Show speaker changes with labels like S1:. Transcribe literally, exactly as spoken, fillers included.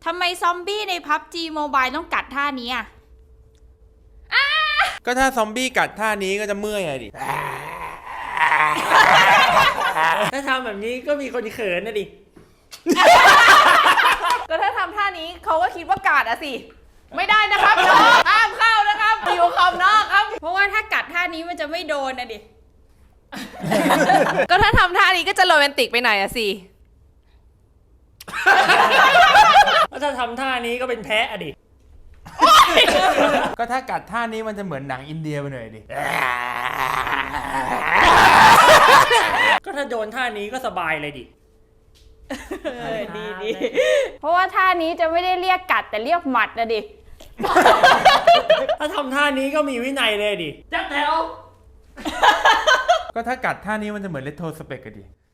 S1: ทำไมซอมบี้ใน พับจี Mobile ต้องกัดท่านี้อ่ะ
S2: ก็ถ้าซอมบี้กัดท่านี้ก็จะเมื่อยไงดิ
S3: ถ้าทำแบบนี้ก็มีคนเขินนะดิ
S4: ก็ถ้าทำท่านี้เขาก็คิดว่ากาดอะสิไม่ได้นะครับน้องห้ามเข้านะครับอยู่ขอบนอกครับ
S1: เพราะว่าถ้ากัดท่านี้มันจะไม่โดนนะดิ
S4: ก็ถ้าทำท่านี้ก็จะโรแมนติกไปหน่อยอะสิ
S3: ถ้าทำท่านี้ก็เป็นแพะอะดิ
S2: ก็ถ้ากัดท่านี้มันจะเหมือนหนังอินเดียไปหน่อยดิ
S3: ก็ถ้าโดนท่านี้ก็สบายเลยดิ
S4: ดีดี
S1: เพราะว่าท่านี้จะไม่ได้เรียกกัดแต่เรียกหมัดนะดิ
S3: ถ้าทำท่านี้ก็มีวินัยเลยดิจัดแถว
S2: ก็ถ้ากัดท่านี้มันจะเหมือนเลตโทสเปกกันดิ